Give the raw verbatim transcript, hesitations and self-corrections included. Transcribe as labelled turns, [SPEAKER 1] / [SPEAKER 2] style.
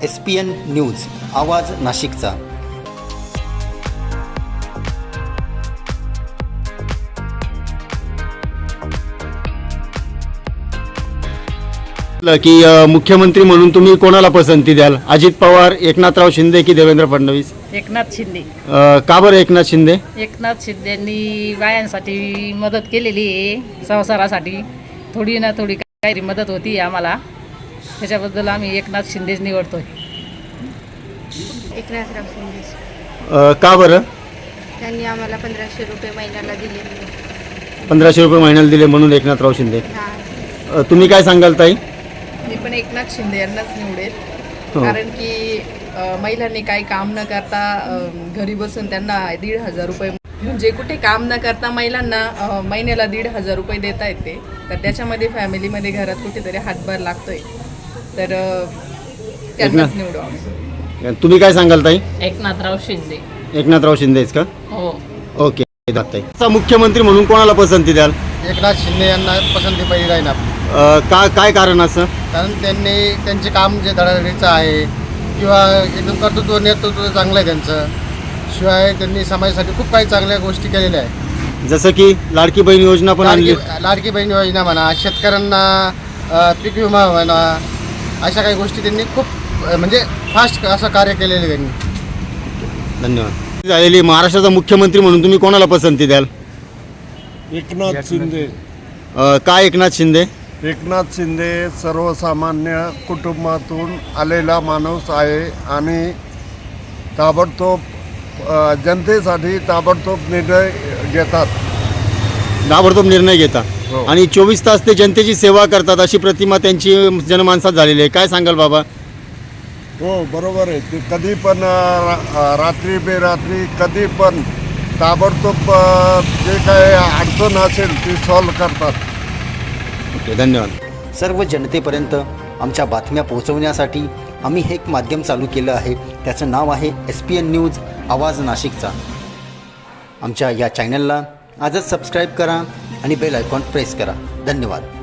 [SPEAKER 1] S P N news आवाज नाशिकचा।
[SPEAKER 2] की अ, मुख्यमंत्री म्हणून तुम्ही कोणाला पसंती द्याल? अजित पवार, एकनाथराव शिंदे की देवेंद्र फडणवीस?
[SPEAKER 3] एकनाथ शिंदे।
[SPEAKER 2] अ, का बरं एकनाथ शिंदे?
[SPEAKER 3] एकनाथ शिंदेंनी बायांसाठी मदत केलेली आहे, संसारासाठी थोडी ना थोडी काही मदत होती आम्हाला, त्याच्याबद्दल आम्ही एकनाथ शिंदेच निवडतोय।
[SPEAKER 4] एकनाथराव शिंदे
[SPEAKER 2] अ, का बरं?
[SPEAKER 4] त्यांनी आम्हाला पंधराशे रुपये महिन्याला दिले।
[SPEAKER 2] पंधराशे रुपये महिन्याला दिले म्हणून एकनाथराव शिंदे।
[SPEAKER 4] हां,
[SPEAKER 2] अ, तुम्ही काय सांगाल ताई?
[SPEAKER 5] मी पण एकनाथ शिंदे यांनाच निवडेल,
[SPEAKER 2] हो.
[SPEAKER 5] कारण की अ, महिलांनी काही काम न करता अ, घरी बसून त्यांना दीड हजार रुपये म्हणजे कुठे काम न करता महिलांना अ, महिन्याला दीड हजार रुपये देता येते, तर त्याच्यामध्ये फॅमिलीमध्ये घरात कुठेतरी हातभार लागतोय, तर अ, त्यांनाच निवडू आम्ही।
[SPEAKER 2] तुम्ही काय सांगाल ताई?
[SPEAKER 3] एकनाथराव शिंदे।
[SPEAKER 2] एकनाथराव शिंदेच का?
[SPEAKER 3] हो।
[SPEAKER 2] ओके ताई, असा मुख्यमंत्री म्हणून कोणाला पसंती द्याल?
[SPEAKER 6] एकनाथ शिंदे यांना पसंती पहिली राहील आपली,
[SPEAKER 2] अ, का काय कारण असं?
[SPEAKER 6] कारण त्यांनी त्यांचे काम जे धडाधडीचं आहे किंवा एकदम कर्तृत्व नेतृत्व चांगलं आहे त्यांचं, शिवाय त्यांनी समाजासाठी खूप काही चांगल्या गोष्टी केलेल्या आहेत,
[SPEAKER 2] जसं की लाडकी बहीण योजना पण आणली.
[SPEAKER 6] लाडकी लाडकी बहीण योजना म्हणा, शेतकऱ्यांना अ, पीक विमा म्हणा, अशा काही गोष्टी त्यांनी खूप अ, म्हणजे फास्ट असं कार्य केलेलं आहे त्यांनी।
[SPEAKER 2] धन्यवाद. झालेली महाराष्ट्राचा मुख्यमंत्री म्हणून तुम्ही कोणाला पसंती द्याल?
[SPEAKER 7] एकनाथ शिंदे।
[SPEAKER 2] अ, का एकनाथ शिंदे?
[SPEAKER 7] एकनाथ शिंदे सर्वसामान्य कुटुंबातून आलेला माणूस आहे आणि ताबडतोब अ, जनतेसाठी ताबडतोब निर्णय घेतात।
[SPEAKER 2] ताबडतोब निर्णय घेता
[SPEAKER 7] हो.
[SPEAKER 2] आणि चोवीस तास ते जनतेची सेवा करतात, अशी प्रतिमा त्यांची जनमानसात झालेली आहे. काय सांगाल बाबा?
[SPEAKER 7] हो, बरोबर आहे. ते कधी पण अ, रा- रात्री बेरात्री कधी पण ताबडतोब अ, जे काय अडचण असेल ती सॉल्व करतात।
[SPEAKER 2] ओके, धन्यवाद.
[SPEAKER 1] सर्व जनतेपर्यंत आमच्या बातम्या पोहोचवण्यासाठी आम्ही हे एक माध्यम चालू केलं आहे, त्याचं नाव आहे एस पी एन न्यूज आवाज नाशिकचा। आमच्या या चॅनलला आजच सबस्क्राईब करा आणि बेल आयकॉन प्रेस करा। धन्यवाद.